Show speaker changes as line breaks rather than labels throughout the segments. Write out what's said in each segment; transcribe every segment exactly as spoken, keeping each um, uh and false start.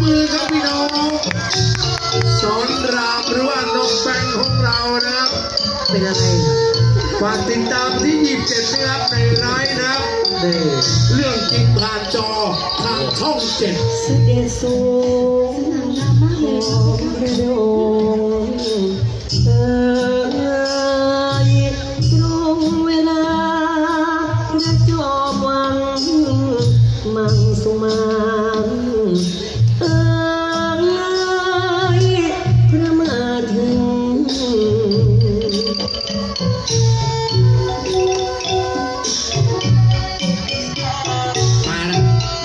มือครับพี่น้องสอนรามหรือว่าน้องแบงค์ของเรานะครับเป็นอะไรฝากติดตามที่ยี่สิบเจ็ดนะครับในไลน์นะครับเรื่องจริงผ่านจอทางช่องเจ็ด
เสด็จสูงของพระองค์เอ่ยตรงเวลาพระจอมวังมังสุมาเอ่ยพระมาถึง
มาแล้ว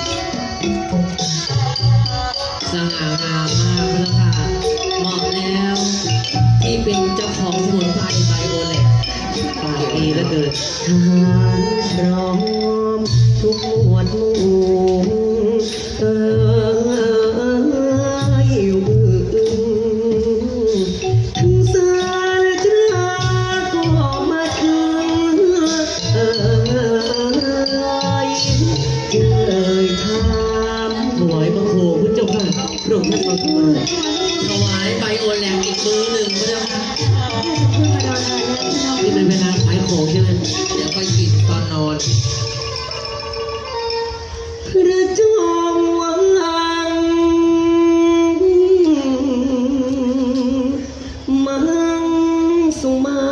สง่างามมากพระค่ะเหมาะแล้วที่เป็นเจ้าของสมุนไพรไบโอเล็กปากดีเหลือเกิน
ทหารพร้อมทุกหมวดหมู่เอ่ยอยู่ถึงสารตราก็มาถึงเอ่ยจึงเอ่ยถามถวายบังคมพระเจ้าค่ะพระองค์ท่านทรงมา
ถวายไบโอเล็กอีกมือหนึ่งพระเจ้าค่ะนี่เป็นเวลาขายของใช่ไหมเดี๋ยวไปกินตอนนอน
พระจอมวังมังสุมา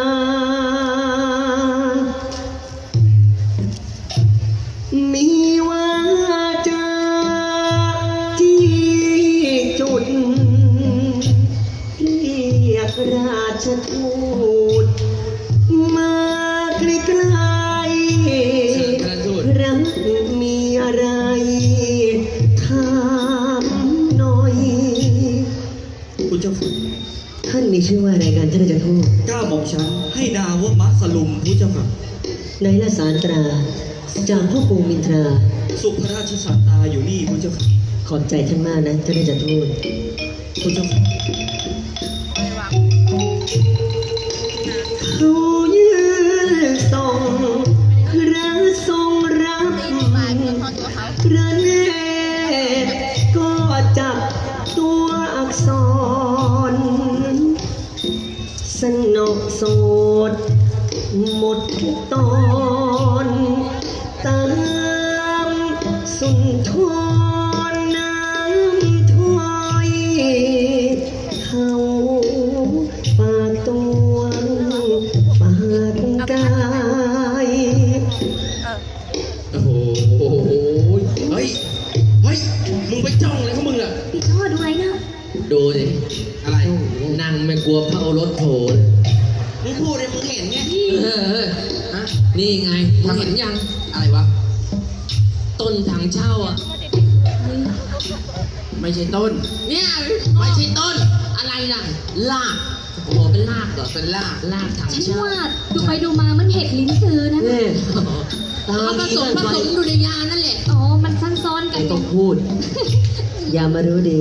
มีวาจาที่จุดเรียกราชทูตมาใกล้ๆรักมีอะไรถามหน่อย
คุณเจ้าค่ะ
ท่านมีชื่อว่าอะไรกันท่านราชทูต
ก้าวบอกฉันให้ดาวว่ามัสลุมผู้เจ้าค่ะ
ในละสารตราจากพ่อปู่มินทรา
สุพระราชสัตตาอยู่นี่ผู้เจ้าค่ะ
ขอบใจท่านมากนะท่านราชทูต
ผู้เจ้าค่ะ
เขายืนส่งพระทรงรับพระเนตรก็จับตัวอักษรสนกโสดหมดทุกตอนตามสุนทรน้ำถอยเขาปากตัวปากกาย
โอ้โหเฮ้ยเฮ้ยมึงไปจ้องอะไรของมึงอ่ะ
พี่ชอบดูอะไรนะ
ดูสิ
อะไร
นั่งไม่กลัวพระโอรสโผล่
มึงพูดเลยมึงเห็นไง
เออฮะนี่ไงมึงเห็นยัง
อะไรวะ
ต้นถังเช่าอ่ะ
ไม่ใช่ต้น
เนี่ยไม่ใช่ต้นอะไรล่ะลากโอ้โหเป็นลากเหรอเป็นลากลากถัง
ฉัน
เช่า
ว่าดูไปดูมามันเห็ดลิ้นซื้อนะ
เนี่ย
ผสมผสมดูในยานั่นแหละ
อ๋อมันซ้ำซ้อนกัน
ไม่ต้องพูดอย่ามารู้ดี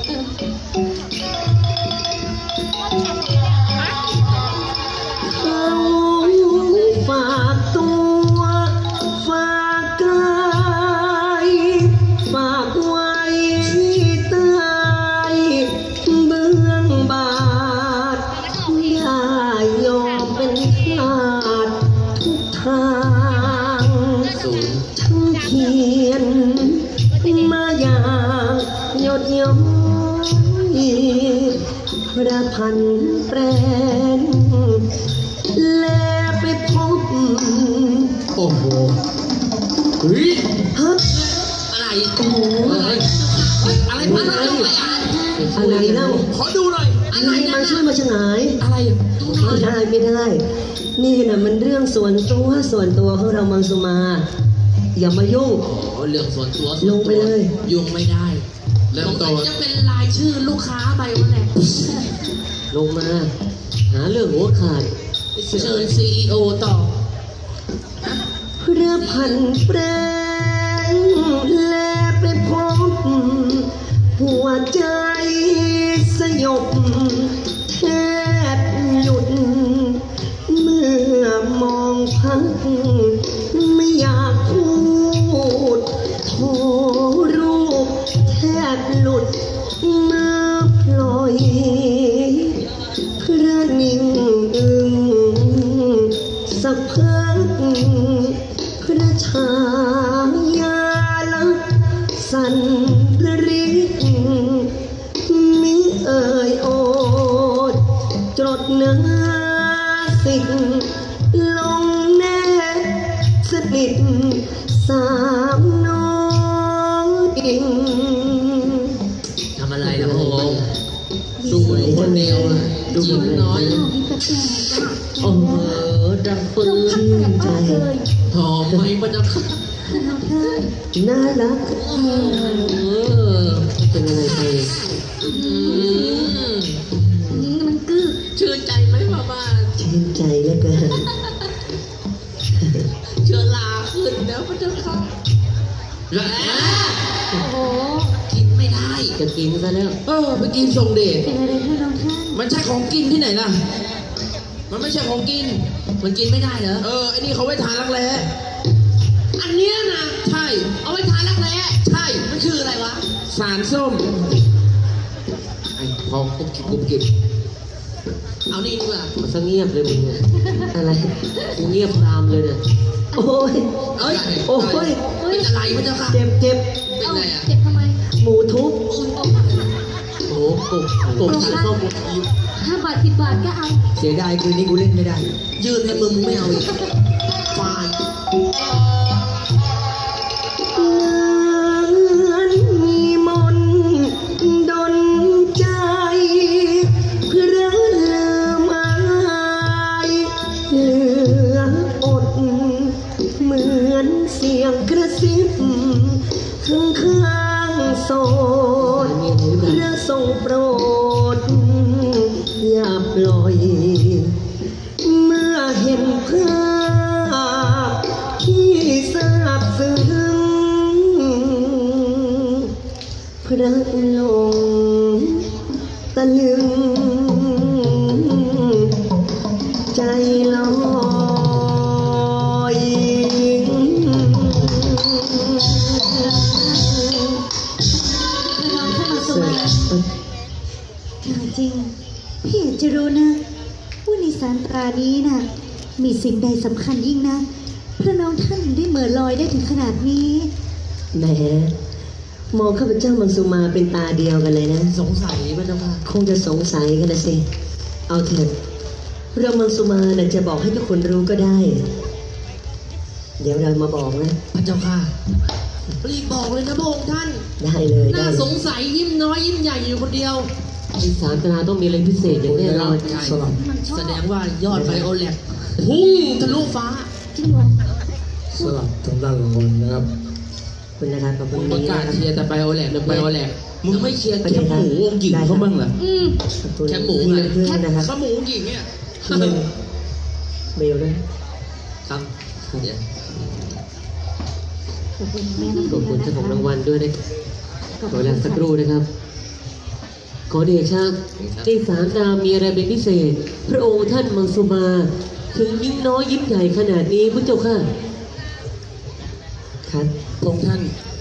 เขาฝากตัวฝากกายฝากไว้ใต้เบื้องบาทได้ยอมเป็นทาสทุกทางทั้งเขียนมาอย่างหยดย้อยพระพันแปรนแลไปพบ
โอ้โหเฮ้ย
ฮัท
อะไรโอ้โหอะไรพันอะไร
อะไรเล่า
ขอดูหน่อย
อะไร
มาช่วยมาฉงาย
อะไร
ไม่ได้ไม่ได้นี่นะมันเรื่องส่วนตัวส่วนตัวของเรามังสุมาอย่ามายุ่ง
อ๋อเรื่องส่วนตัว
ลงไปเลย
ยุ่งไม่ได้เริ่มต้นจะเป็นรายชื่อลูกค้าไปวันไหน
ลงมาหาเรื่องหัวขาด
เชิญซีอีโอต่อ
พระพันแปรแลไปพบหัวใจสยบแทบหยุดเมื่อมองพักไม่อยากพูดโทรรูปแทบหลุดมาปล่อยพระนิ่งอึงสักพักพระชายาลักษณ์สันระริกมิเอ่ยโอดจดนาสิกลงแนบสนิทสามน้องอิง
ทำอะไรนะพระองค์ดูคนเดียวอะดูยิ้มน้อย
อ้าวมีแปลกๆอ่ะ
โอ้โหดังปืน
ชื่นใจเลย
หอมไหมพระเจ้าค่ะ
เราเธอ
น่ารัก
เออ
เป็นอะไรไป
อืม
นี่มันกึก
ชื่นใจไหมพ่อบ้าน
ชื่นใจเหลือเกิน
เชื้อราขึ้นแล้วพระเจ้าค่ะแหละ
โอ้โห
กินไม่ได้
จะกินซะแล้ว
เออไปกินทรงเดช
เป็นอะไรท่านน้องท่าน
มันใช่ของกินที่ไหนล่ะ มันไม่ใช่ของกิน
มันกินไม่ได้เหรอ
เออไอ้นี่เขาไว้ทานรักแร้
อันเนี้ยนะ
ใช่
เอาไว้ทานรักแร้
ใช่
มันคืออะไรวะ
สารส้มไอ้พอกุบกิบกุบกิบ
เอานี่ดีกว่า
มันซะเงียบเลยมึงเนี่ยอะไรกูเงียบตามเลยเนี่ยโอ้ย
เอ้ย
โอ้ย
เป็นอะไรพระเจ้าค่ะ
เจ็บเจ็บ
เป็น
เอา
ไรอ่ะ
เจ็บทำไม
หมูทุบ
โอ้โห
โอ้กบกบสารส้ม
ห้าบาทสิบบาทก็เอา
เสียดายคืนนี้กูเล่นไม่ได้
ยืนให้มึงมึงไม่เอาอีกฟาย
เหมือนมีมนต์ดลใจเพื่อลืมอายเหลืออด เหมือนเสียงกระซิบข้างข้างๆโสดพระทรงโปรดอย่าปล่อย เมื่อเห็นภาพที่ซาบซึ้งพระลงตะลึง ใจลอย
น้องท่านมาสมัยถามจริง พี่อยากจะรู้นะว่าในสารตรานี้น่ะ มีสิ่งใดสำคัญยิ่งนะพระน้องท่านได้เหม่อลอยได้ถึงขนาดนี้
แหมมองข้าพเจ้ามังสุมาเป็นตาเดียวกันเลยนะ
สงสัยพระเจ้าค่ะ
คงจะสงสัยกันนะสิ เอาเถอะเรามังสุมาน่ะจะบอกให้ทุกคนรู้ก็ได้ เดี๋ยวเรามาบอกนะ
พระเจ้าค่ะรีบบอกเลยนะพระองค์ท่าน
ได้เลยได้
น่า
เล
ส
ย
งสัยยิ้มน้อยยิ้มใหญ่อยู่คนเดียว
ที่สามตราต้องมีอะไรพิเศษอย่างแน่นอน
ใช่
สลับ
มันชอบ
แสดงว่ายอดไบโอแลกพุ่งทะลุฟ้า
จริงเหรอ
สลับทางด้านรางวัลนะครับ
ขอบคุณนะครับขอบคุณ
ประ
นี้
กาศ
นะครับ
เชียร์แต่ไบโอแลกเดี๋ยวไบโอแลกมึงไม่เชียร์แคบหมูองค์หญิง
ได้ครับ
เขาบ้างเหรอ
อืม
ขอบคุณ
แคบหมูไง
เพื่อนนะครับ
ข้าวหมูองค์หญิงเนี่ย
เพื่อนเบลด้วย
ครับเดี๋ยว
ขอบคุณแม่น้ำ
ขอบคุณ
นะ
เจ้า
คะ
ของรางวัลด้วยนะขอเวลาสักครู่นะครับ ขอเดชะที่สามตรามีอะไรเป็นพิเศษ พระองค์ท่านมังสุมา ถึงยิ้มน้อยยิ้มใหญ่ขนาดนี้พระเจ้าค่ะ ครับ
พระองค์ท่าน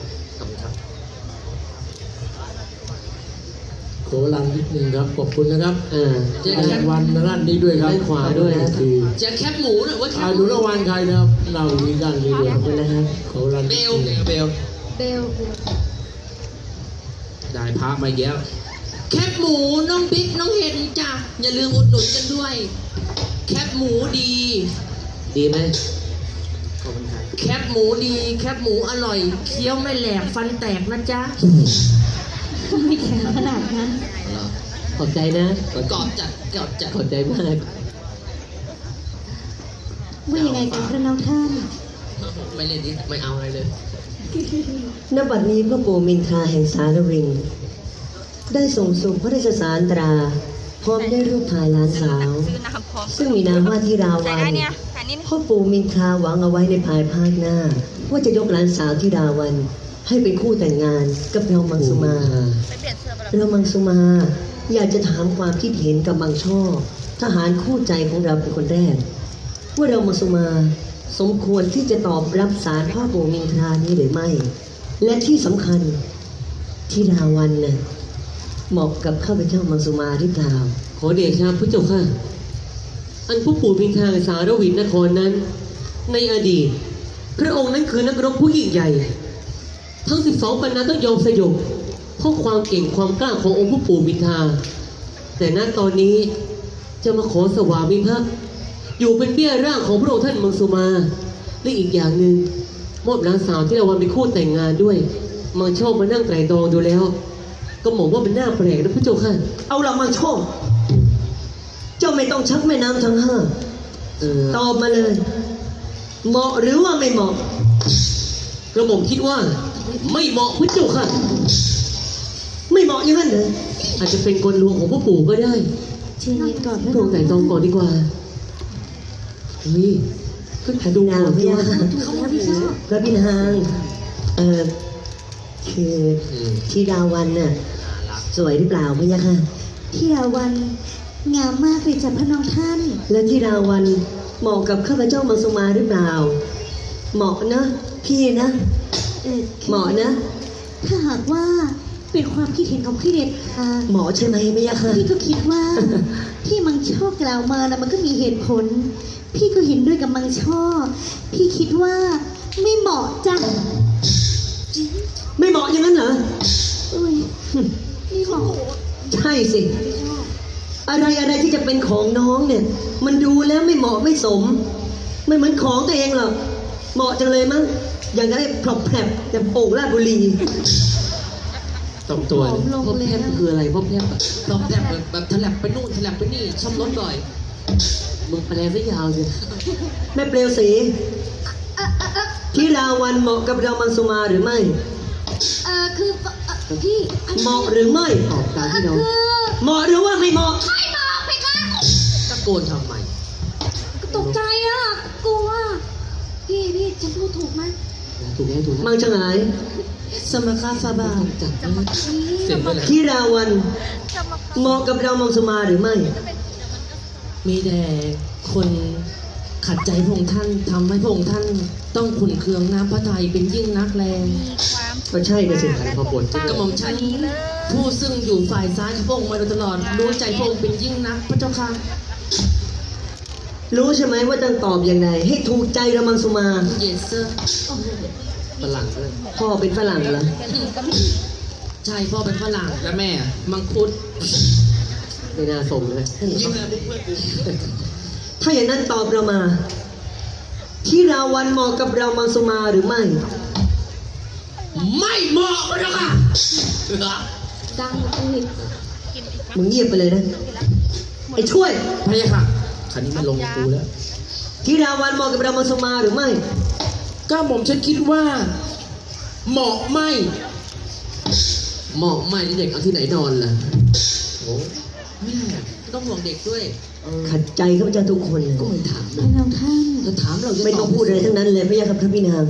ขอรังนิดนึงครับ ขอบคุณนะครับ
เออ
ให้รางวัลทางด้านนี้ด้วยครับ
ด้านขวาด้วยนะ
คือ
จะแคบหมูหรือว่าแค
อา
บห
ดู
มู
รางวัลใครนะครับเรามีด้านนี้ด้วย
ขอบคุณนะครับ
ขอรัง
เบ
นิด
ล
นึง
เบล
เบล
ได้พระมาเยอะ
แคบหมูน้องบิ๊กน้องเฮนจ้ะอย่าลืมอุดหนุนกันด้วย แคบหมูดี
ดีไหม
แคบหมูดี แคบหมูอร่อย เคี้ยวไม่แหลกฟันแตกนะจ๊ะ
ไม่แข็งขนาดนั้น
ขอบใจนะ
กอดจัดกอดจัด
ขอบใจมาก
ว่ายังไงกันพระน้องท่าน
ไม่เล่นดิไม่เอาอะไรเลย
ณ บัดนี้พระปู่มินทราแห่งสารวิน ได้ส่งส่งพระราชสารตรา พร้อมได้รูปถ่ายหลานสาว ซึ่งมีนามว่าที่ราวันพ่อปู่มินทราหวังเอาไว้ในภายภาคหน้า ว่าจะยกหลานสาวที่ราวัน ให้เป็นคู่แต่งงานกับเรามังสุมาเรามังสุมา อยากจะถามความคิดเห็นกับมังช่อทหารคู่ใจของเราเป็นคนแรก ว่าเรามังสุมาสมควรที่จะตอบรับสารพ่อปู่มินทรานี้หรือไม่ และที่สำคัญที่ดาวันน่ะเหมาะกับข้าพเจ้ามังสุมาหรือเปล่า
ขอเดชะพระเจ้าค่ะ อันผู้ปู่พินทางสารวินนครนั้น ในอดีต พระองค์นั้นคือนักรบผู้ยิ่งใหญ่ ทั้งสิบสองปันนาต้องยอมสยบเพราะความเก่งความกล้าขององค์ผู้ปู่พินทาแต่ณตอนนี้จะมาขอสวามิภักดิ์อยู่เป็นเบี้ยร่างของพระองค์ท่านมังสุมาและอีกอย่างหนึ่งมอบหลานสาวที่เราวันเป็นคู่แต่งงานด้วยมังชอบมานั่งไตร่ตรองดูแล้ว ก็มองว่ามันน่าแปลกนะพระเจ้าค่ะ
เอาละมังโชคเจ้าไม่ต้องชักแม่น้ำทั้งห้า
เออ
ตอบมาเลย เหมาะหรือว่าไม่เหมาะ
กระหม่อมคิดว่าไม่เหมาะพระเจ้าค่ะ
ไม่เหมาะอย่างนั้นเลย
อาจจะเป็นกลลวงของพ่อปู่ก็ได้
เชิญเย็นก่อน
พระองค์แต่งตรองก่อนดีกว่าเฮ้ยก็ถ่ายดู
นาง
ก่อน
พ
ดี
ยาก
ว่า
ถูกแล้วพี่ชอบ
พระพินางเอ่อคือที่ดาวันน่ะสวยหรือเปล่าพะยะค่ะ
ที่ดาวันงามมากเลยจ้ะพระน้องท่าน
แล้วที่ดาวันเหมาะกับข้าพเจ้ามังสุมาหรือเปล่า เหมาะนะ พี่นะ
เออ
เหมาะนะ
ถ้าหากว่าเป็นความคิดเห็นของพี่เดชค่ะ
เหมาะใช่ไหมพะยะค่ะ
พี่ก็คิดว่า ที่มังช่อกล่าวมานะมันก็มีเหตุผล พี่ก็เห็นด้วยกับมังช่อ พี่คิดว่าไม่เหมาะจ้ะ
ไม่เหมาะอย่างนั้นเหรอ
อุ้ยไม่เหมาะ
ใช่สิ อะไรอะไรที่จะเป็นของน้องเนี่ย มันดูแล้วไม่เหมาะไม่สม ไม่เหมือนของตัวเองหรอก เหมาะจังเลยมั้ง อย่างนั้นพรอบแผลบแต่โป่งราชบุรี
ตบตัว
ผอมลง
พ่อ
เลย
แพทย์
นะ
คืออะไรพ่อแพทย์
ตอบแทบแบบแบบถลับไปนู่นถลับไปนี่ซ่อมรถบ่อย
มึงแปลซะยาวเลย
แม่เปลวสีที่ราวันเหมาะกับเรามังสุมาหรือไม่
เออคือเอ่อพี่
เหมาะหรือไม่
ตอบตามที่เรา
คือ
เหมาะหรือว่าไม่เหมาะ
ไม่เหมาะไปค่ะ
ตะโกนทำไม
ตกใจอ่ะกลัวพี่พี่ฉันพูดถูกไหม
ถูกแล้วถูกแล้ว
มังชงาย สมคาฟาบา
จับได้
เสร็จไปแล้ว
ที่ราวันเหมาะกับเรามังสุมาหรือไม่
มีแต่คนขัดใจพระองค์ท่านทำให้พระองค์ท่านต้องขุนเคืองน้ำพระทัยเป็นยิ่งนักแรง
ก็ใช่นะสิ
พอปวดจะ
กระหม่อมฉันผู้ซึ่งอยู่ฝ่ายซ้ายของพระองค์มาโดยตลอดรู้ใจพระองค์เป็นยิ่งนักพระเจ้าค่ะ
รู้ใช่ไหมว่าต้องตอบอย่างไรให้ถูกใจเรามังสุมา
เยสเซอร์
ฝรั่งด้วย
พ่อเป็นฝรั่งเหรอ
ใช่พ่อเป็นฝรั่งและแม่ มังคุด
ไม่น่าส่งเลย
ยิ่งเลยเพื่อนกู
ถ้าอย่างนั้นตอบเรามา ที่ราวันเหมาะกับเรามังสุมาหรือไม่
ไม่เหมาะพระเจ้าค่ะ
ดังเลย
มึงเงียบไปเลยนะ ไอ้ช่วย
พระเจ้าค่ะคันนี้มันลงกูแล้ว
ที่ราวันเหมาะกับเรามังสุมาหรือไม่
ก็ผมฉันคิดว่า เหมาะไม่
เหมาะไหมเด็กเอาที่ไหนนอนล่ะ
โอ้แม่ต้องห่วงเด็กด้วย
ขัดใจข้าพเจ้าทุกคนเลย
ก็ไม่ถาม
พระน้องท่าน
ถ้าถามเราจะ
ไม่ต้องพูดอะไรทั้งนั้นเลยพระยาครับพระพี่นาง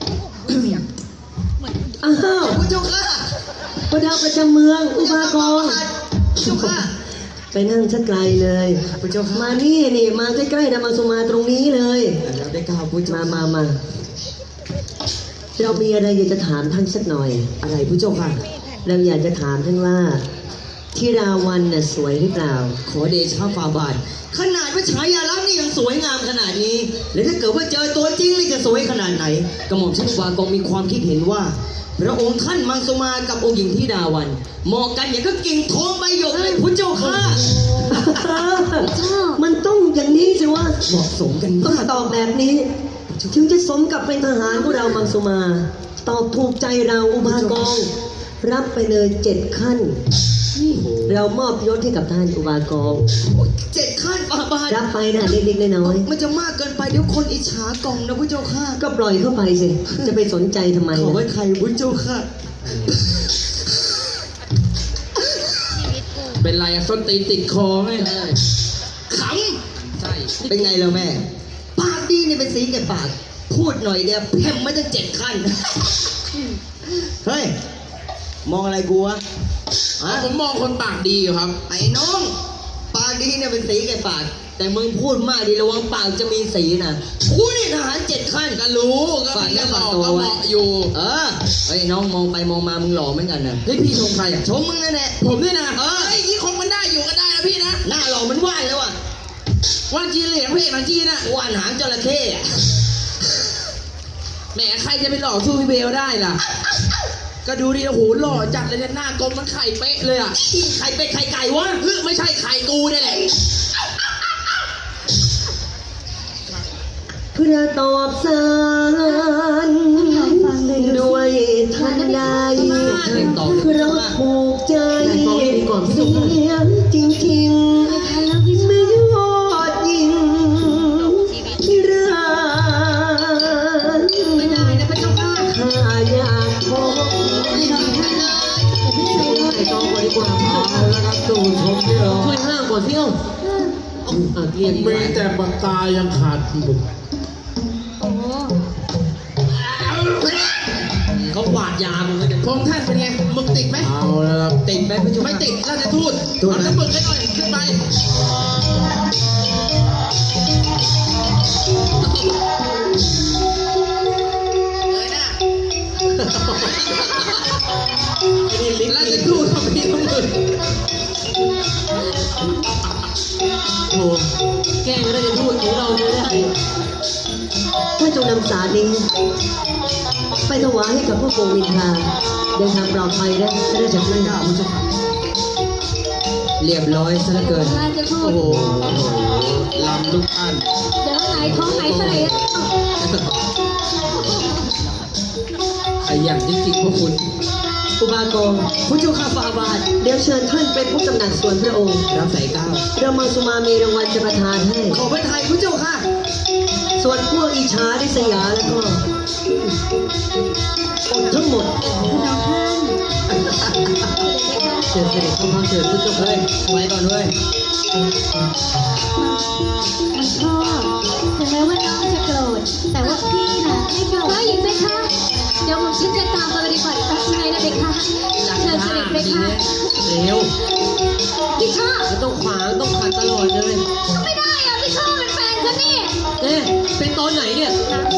อ้าว
พระเจ้าค่ะ
พระดาวประจำเมืองอุบากร
เจ้าค่ะ
ไปนั่งชักไกลเลย
พระเจ้าค่ะ
มานี่นี่มาใกล้ๆดามังสุมาตรงนี้เลย
แล้วได้กล่าวพุทธ
มามามาเรามีอะไรอยากจะถามท่านสักหน่อย
อะไรพระเจ้าค่ะ
เราอยากจะถามท่านว่า ที่ราวันน่ะสวยหรือเปล่า
ขอเดชะฝ่าบาท
ขนาดว่าฉายาลักษณ์นี่ยังสวยงามขนาดนี้ แล้วถ้าเกิดว่าเจอตัวจริงนี่จะสวยขนาดไหน กระหม่อมชันวากองมีความคิดเห็นว่า พระองค์ท่านมังสมากับองค์หญิงที่ดาวันเหมาะกันอย่างก็กิ่งทองใบหยกเลยพุทธเจ้าค่ะ
เจ้า
มันต้องอย่างนี้สิวะ
เหมาะสมกัน
ต้อง
มาก
ตอบแบบนี้ ถึงจะสมกับเป็นทหารของเรามังสมา ตอบถูกใจเราอุบากอง รับไปเลยเจ็ดขั้น เรามอบยศให้กับท่านอุบากอง
เจ็ดขั้นฝ่าบาท
รับไปนะเล็กๆน้อย
มันจะมากเกินไปเดี๋ยวคนอิจฉากองนะพระเจ้าค่ะ
ๆก็ปล่อยเข้าไปสิ จะไปสนใจทำไม
ขอไว้
นะ
ใครพระเจ้าค่ะ เป็นไรอะส้นตีนติดคอไหมขำใช่
เป็นไงแล้วแม่ ปากดีเนี่ยเป็นสีแก่ปาก พูดหน่อยเดียวแพมไม่ต้องเจ็ดขั้น เฮ้ย มองอะไรกูวะ
ผมมองคนปากดีอยู่ครับ
ไอ้น้อง ปางนี้เนี่ยเป็นสีแก่ปากแต่มึงพูดมากดีระวังปากจะมีสีนะกูนี่ทหารเจ็ดขั้น
ก็รู้ก็
ฝาก
มี
เนื้
แค่
อ
ห
ฝา
ล
ก
อก
ตัว
ก็เห
ไว้
มาะอยู่
เออเฮ้ยน้องมองไปมองมามึงหล่อเหมือนกันนะ
เฮ้ยพี่ชมใครอ่ะ
ชมมึงนั่นแหละ
ผมด้วยนะ
เออ
ไอ้ยยี่คงมันได้อยู่ก็ได้นะพี่นะ
หน้าหล่อเหมันว่านแล้วอ่ะ
ว่านจีนเหลียงเพลงหนังจีนน่ะ
ว่านหางจระเข้อะ
แหมใครจะไปหล่อสู้พี่เบลได้ล่ะ ก็ดูดิโอ้โหหล่อจัดเลยเนี่ยหน้ากลมมันไข่เป๊ะเลยอ่ะ
ไข่เป็ดไข่ไก่วะ
เฮ้ยไม่ใช่ไข่กูเนี่ยแหละ
เพื่อตอบสาร
ฟังเลย
ด้วยทันใดเพราะผูกใจเสียจริงๆไม่ยอดยิงที่รักไม่ได้นะพระเจ้าค่ะข้าอยากพบ
ไอ้ตองก่อนดีกว่า
เอาแล้วครับดูชมเนี่ย
ช่วยห้ามก่อนที่เอ้าอ่ะเรียก
มีแต่ปากกายังขาดหมึก
โอ้
เขาหวาดยามึงเลยพงท่านเป็นไงมึงติดไหม
เอาแล้วครับ
ติดไหมพระเจ้า
ไม่
ค่ะ
ติดราชทูตเอาน้ำมึกให้หน่อยขึ้นไปเลยนะราชทูตเขามีน้ำมึก
โอ้แกล้งได้จะพูดของเราเลยได้
ถ้าจงนำสารนี้ ไปถวายให้กับพระโกวินทราเดินทางปลอดภัยได้จะได้จากไม่ได้พระเจ้าค่ะเรียบร้อยซะเหลือเกิน
ราชทูต
โอ้โหลำทุกท่าน
เดี๋ยวไหนท้องไหนใส่
ขยันจริงๆพวกคุณ
อุบากรผู้เจ้าข้าฟาบาทเดี๋ยวเชิญท่านไปพบตำหนักส่วนพระองค์
รับสายก้าว
เรามังสุมามีรางวัลจะประทานให้
ขอพระไทยผู้เจ้าค่ะ
ส่วนพวกอิจฉาริษยาแล้วก็อดทั้งหมด
น้องท่าน
เชิญเสด็จเข้ามาเชิญผู้เจ้า
เฮ้ยไว้ก่อนเว้ย
มันพ่อถึงแม้ว่าน้องจะโกรธแต่ว่าพี่น่ะไม่โกรธว่าอย่างไรคะเดี๋ยวผมฉันจะตามไปดีกว่าตัดสินใจนะเด็กค่ะเชิญเสด็จเลยค่ะ
เร็ว
พี่ชอบ
ไม่ต้องขวางต้องขัดตลอดเลย
ไม่ได้อะพี่ชอบเป็นแฟนฉันนี่
เอ๊ะเป็นตอนไหนเนี่ย
น้ำ